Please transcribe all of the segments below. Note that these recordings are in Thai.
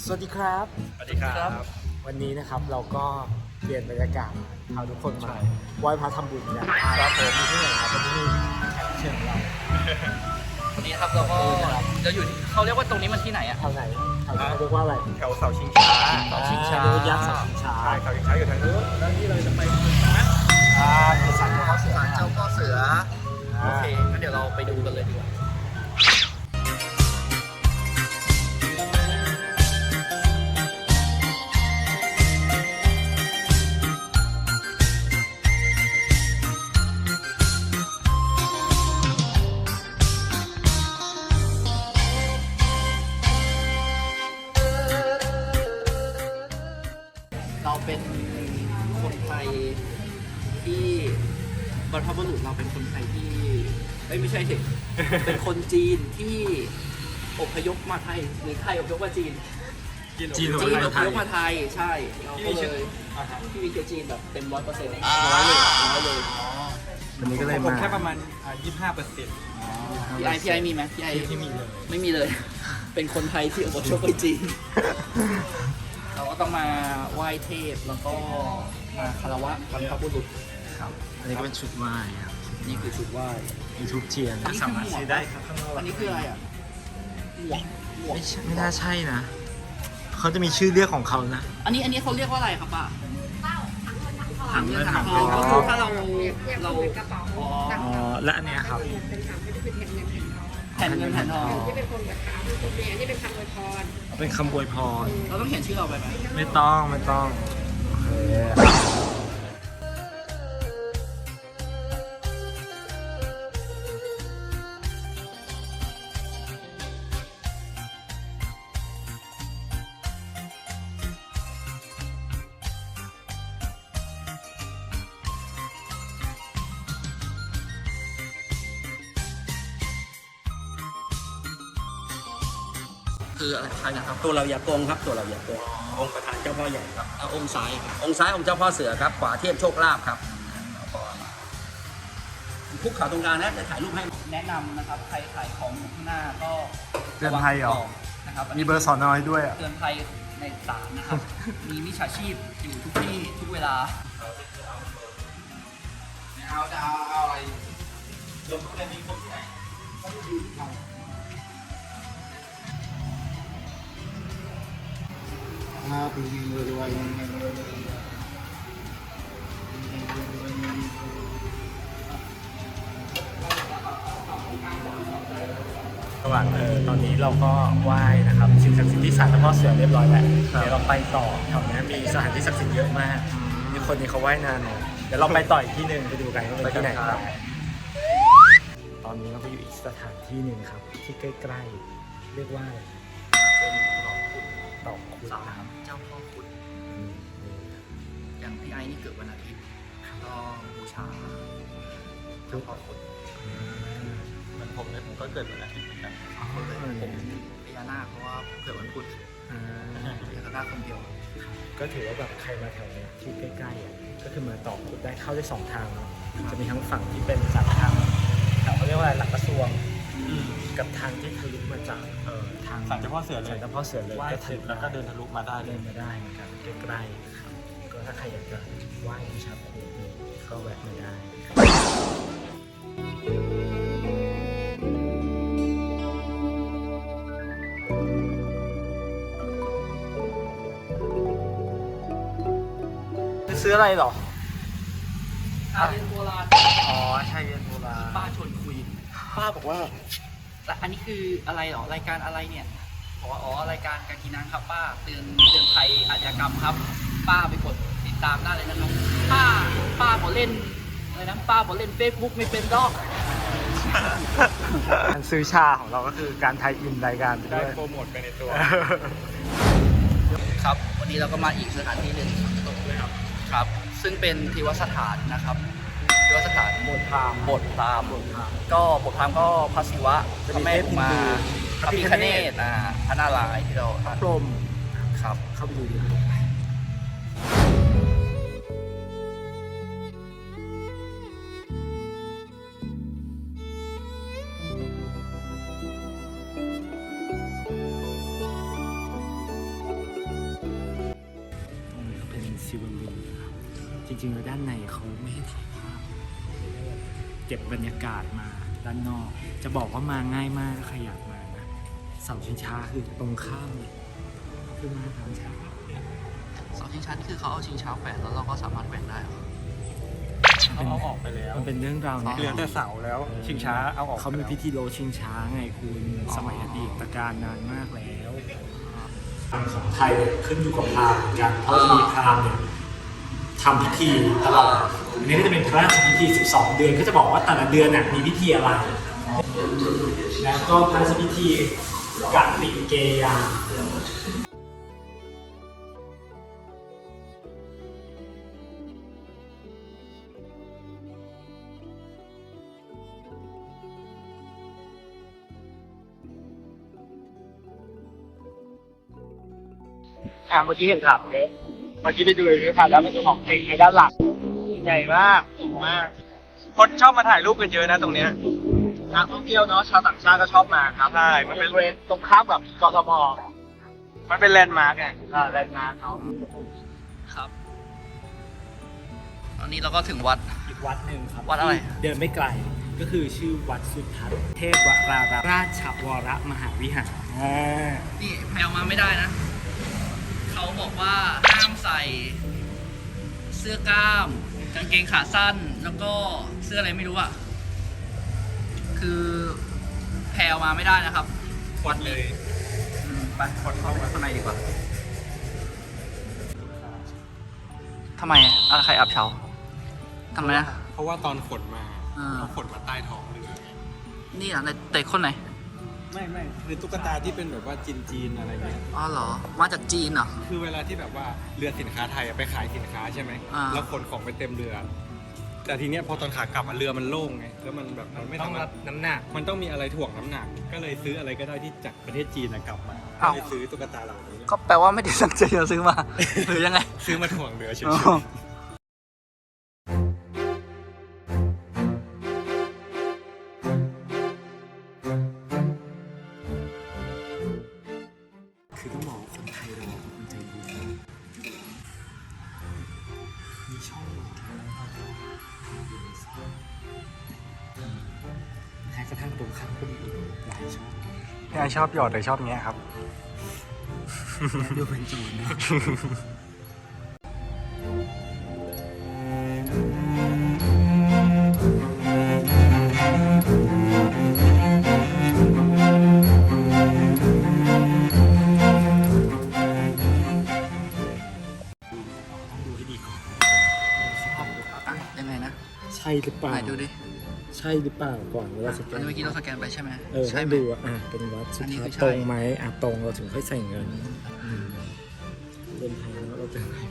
วัสดีครับสวัสดีครับวันนี้นะครับเราก็เปลี่ยนบรรยากาศพาทุกคนมาไหว้พระทำบุญกันครับผมมีที่ไหนครับวันนี้มีแขกเชิญเราวันนี้ครับเราก็จะอยู่เขาเรียกว่าตรงนี้มันที่ไหนอะแถวไหนแถวไหนเขาเรียกว่าอะไรแถวเสาชิงช้าเสาชิงช้าเรียกว่ายักษ์เสาชิงช้าใช่เสาชิงช้าอยู่ทางนู้นแล้วนี่เราจะไปจุดไหมคือศาลเจ้าพ่อเสือศาลเจ้าพ่อเสือโอเคงั้นเดี๋ยวเราไปดูกันเลยดีกว่าเราเป็นคนไทยที่บรรพบุรุษเราเป็นคนไทยที่ไม่ใช่สิ เป็นคนจีนที่อพยพมาไทยหรือไทยอพยพมาจีนจีนจีนอพยพมาไทยใช่เราก็เลยที่มีเชื้อจีนแบบเต็ม100%ร้อยเลยวันนี้ก็เลยผมมาแค่ประมาณ 25% พี่ไอมีไหมพี่ไอที่มีเลยไม่มีเลย เป็นคนไทยที่อพยพไปจีน เราก็ต้องมาไหว้เทพแล้วก็มาคารวะบรรพบุรุษครับอันนี้ก็เป็นชุดไหว้ครับนี่คือชุดไหว้มีทูบเทียนอันนี้คือหมวกสามารถซื้อได้ครับข้างนอกอันนี้คืออะไรอ่ะหมวกไม่น่าใช่นะเขาจะมีชื่อเรียกของเขานะอันนี้เขาเรียกว่าอะไรครับป้าถังเงินถังอ๋ทอองก็คือถ้าเราเทียบเราเหมือนกระเป๋าอ๋อตังค์และอันเนี้ยครับเป็นคำไม่ได้เป็นแผ่นเงินแผ่นทองแผ่นเงินแผ่นทองที่เป็นคนแบบขาวเป็นคนเมียนี่เป็นคำอวยพรเป็นคำอวยพรเราต้องเขียนชื่อเราไปไหมไม่ต้องโอเคคืออะไรใครนะครับตัวเราอย่าโกงครับตัวเราอย่าโกงองค์ประธานเจ้าพ่อใหญ่ครับเอาองค์ซ้ายครับองค์ซ้ายองค์เจ้าพ่อเสือครับขวาเทพโชคลาภครับคุกเข่าตรงกลางนะจะถ่ายรูปให้แนะนำนะครับใครขายของอยู่ข้างหน้าก็เตือนภัยเหรอระวังนะครับมีเบอร์สอนอยด้วยอ่ะเตือนภัยในศาลนะครับ มีมิจฉาชีพอยู่ทุกที่ทุกเวลาเอาอะไรปีรวยระหว่างตอนนี้เราก็ไหว้นะครับสิ่งศักดิ์สิทธิ์ที่ศาลเจ้าพ่อเสือเรียบร้อยแล้วเดี๋ยวเราไปต่อแถวนี้มีสถานที่ศักดิ์สิทธิ์เยอะมากมีคนนี้เขาไหว้นานหน่อยเดี๋ยวเราไปต่ออีกที่หนึ่งไปดูกันว่าเป็นที่ไหนครับตอนนี้เราไปอยู่อีกสถานที่หนึ่งครับที่ใกล้ๆเรียกว่าเป็นดอกคุดศาลนะครับเจ้าพ่อคุณอืมนี่อย่างพี่ไอ้นี่เกิดวันอาทิตย์ก็บูชาเจ้าพ่อคุณเหมือนผมเลยผมก็เกิดวันอาทิตย์เหมือนกันผมพญานาคเพราะว่าเกิดวันพุธอ่าพญานาคคนเดียวก็ถือว่าแบบใครมาแถวเนี้ยที่ใกล้ๆอ่ะก็คือมาต่อคุดได้เข้าได้สองทางเนอะจะมีทั้งฝั่งที่เป็นจากทางแถวเขาเรียกว่าอะไรหลักกระทรวงกับทางที่ทะลุมาจากทางศาลเจ้าพ่อเสือเลยศาลเจ้าพ่อเสือเลยไหว้เสร็จแล้วก็เดินทะลุมาได้เลเดิยนมาได้เหมือนกันใกล้ๆครับก็ถ้าใครอยากจะไหว้บูชาครูก็แวะมาได้ซื้ออะไรหรอเรียนโบราณอ๋อใช่เรียนโบราณป้าชวนคุย ป้าบอกว่าแต่อันนี้คืออะไรหรอรายการอะไรเนี่ยบอกว่าอ๋อรายการกากีนังครับป้าเตือนภัยอาชญากรรมครับ ป้าไปกดติดตามได้เลยนะครับป้าบอกเล่นอะไรนะป้าบอกเล่น Facebook ไม่เป็นดอกการซื้อชาของเราก็คือการไทยอินรายการไปได้ด้วยโปรโมทไปในตัวครับวันนี้เราก็มาอีกสถานที่หนึ่งครับ ซึ่งเป็นเทวสถานนะครับเทวสถานโบสถ์พราหมณ์ก็โบสถ์พราหมณ์ก็พระศิวะพระแม่อุมาพระพิฆเนศพระนารายณ์ที่เราพรหมครับเข้าไปดูดีริงๆแล้วด้านในเขาไม่ให้ถ่ายภาพเก็บบรรยากาศมาด้านนอก จะบอกว่ามาง่ายมากใครอยากมานะเสาชิงช้าคือตรงข้ามเลยคือมาทางช้าเสาชิงช้านี่คือเขาเอาชิงช้าแขวนแล้วเราก็สามารถแขวนได้เหรอเขาเอาออกไปแล้วมันเป็นเรื่องราวเนี่ยเหลือแต่เสาแล้ว ชิงช้าเอาออกเขามีพิธีโลชิงช้าไงคุณสมัยอดีตการนานมากแล้วของไทยขึ้นอยู่กับพราหมณ์เหมือนกันเพราะจะมีพราหมณ์เนี่ยทำพิธีตลอดอันนี้ก็จะเป็นพระราชพิธี 12 เดือนก็จะบอกว่าแต่ละเดือนน่ะมีพิธีอะไร แล้วก็พระราชพิธีกัตติเกยา เมื่อกี้เห็นถามเลยเมื่อกี้ได้ดูเลยค่ะแล้วมันจะของเองในด้านหลังใหญ่มากสูงมากคนชอบมาถ่ายรูปกันเยอะนะตรงเนี้ยนักท่องเที่ยวเนาะชาวต่างชาติก็ชอบมาครับใช่มันเป็นบริเวณตรงข้ามกับกทมมันเป็นแลนด์มาร์กไงแลนด์มาร์คเขาครับตอนนี้เราก็ถึงวัดอีกวัดหนึ่งครับวัดอะไรที่เดินไม่ไกลก็คือชื่อวัดสุทัศน์เทพวราราชวรมหาวิหารนี่แพลมาไม่ได้นะ เขาบอกว่าห้ามใส่เสื้อกล้ามกางเกงขาสั้นแล้วก็เสื้ออะไรไม่รู้อ่ะ คือแพลมาไม่ได้นะครับวัดเลยไปคนเข้าไปข้างในดีกว่าทำไมอะไรใครอับเฉาทำไมนะเพราะว่าตอนขนมาอ่าเขาขนมาใต้ท้องเรือไงนี่อ่ะแต่คนไหนไม่คือตุ๊กตาที่เป็นแบบว่าจีนอะไรเงี้ยอ๋อเหรอ มาจากจีนเหรอคือเวลาที่แบบว่าเรือสินค้าไทยอะไปขายสินค้าใช่ไหมอ่าแล้วขนของไปเต็มเรือ แต่ทีเนี้ยพอตอนขากลับอะเรือมันโล่งไงแล้วมันแบบมันไม่ต้องสามารรัถบน้ำหนักมันต้องมีอะไรถ่วงน้ำหนัก ก็เลยซื้ออะไรก็ได้ที่จากประเทศจีนอะกลับมาอ้าวก็เลยซื้อตุ๊กตาเหล่านี้ก็แปลว่าไม่ได้ตั้งใจจะซื้อมา หรือยังไงซื้อมาถ่วงเรือเฉยอ๋อคือต้องบอกว่าคนไทยเราเป็นคนใจดีมีช่องแม้กระทั่งตรงข้ามก็มีอีกหลายช่องๆพี่ไอชอบหยอดเลยชอบเงี้ยครับดูเป็นโจรนะต้องดูให้ดีก่อนอ่ะยังไงนะใช่หรือเปล่าไหนดูดิใช่หรือเปล่าก่อนเวลาสแกอันนนี้เมื่อกี้เราสแกนไปใช่ไหมใช่ใช่ไหมดูเป็นวัดสุอันนี้ทัคืศอน์ใช่ตรงไหมตรงเราถึงค่อยใส่เงินเป็นไทยแล้วเราเป็นไทย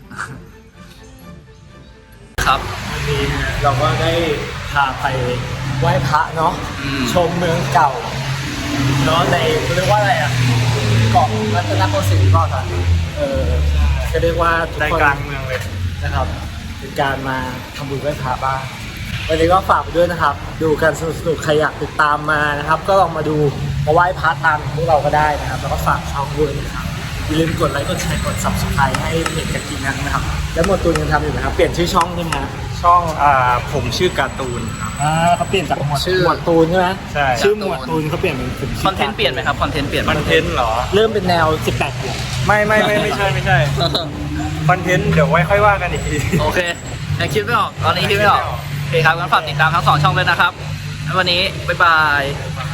ครับวันนี้เราก็ได้พาไปไหว้พระเนาะอืมชมเมืองเก่าเนาะในเรียกว่าอะไรอ่ะเกาะรัตนโกสินทร์ก็ค่ะก็เรียกว่าทุกใจคนกลางเมืองเลยนะครับเป็นการมาทำบุญไหว้พระบ้างวันนี้ก็ฝากไปด้วยนะครับ ดูกันสนุกๆใครอยากติดตามมานะครับ ก็ลองมาดูมาไหว้พระตามพวกเราก็ได้นะครับ แล้วก็ฝากช่องด้วยนะครับอย่าลืมกดไลค์กดแชร์กด subscribe ให้เพจกะกินังนะครับ แล้วหมวดตูนยังทำอยู่นะครับเปลี่ยนชื่อช่องใช่ไหมครับช่องผมชื่อการ์ตูนครับเขาเปลี่ยนจากหมวดชื่อหมวดตูนใช่ไหมใช่ชื่อหมวดตูนเขาเปลี่ยนเป็นผมคอนเทนต์เปลี่ยนไหมครับ คอนเทนต์เปลี่ยนไหมคอนเทนต์เหรอเริ่มเป็นแนว 18 บวกไม่ใช่คอนเทนต์เดี๋ยวไว้ค่อยว่ากันอีกทีโอเคยังคิดไม่ออก ตอนนี้คิดไม่ออก โอเคครับงั้นฝากติดตามทั้ง 2 ช่องเลยนะครับแล้ววันนี้ บ๊ายบาย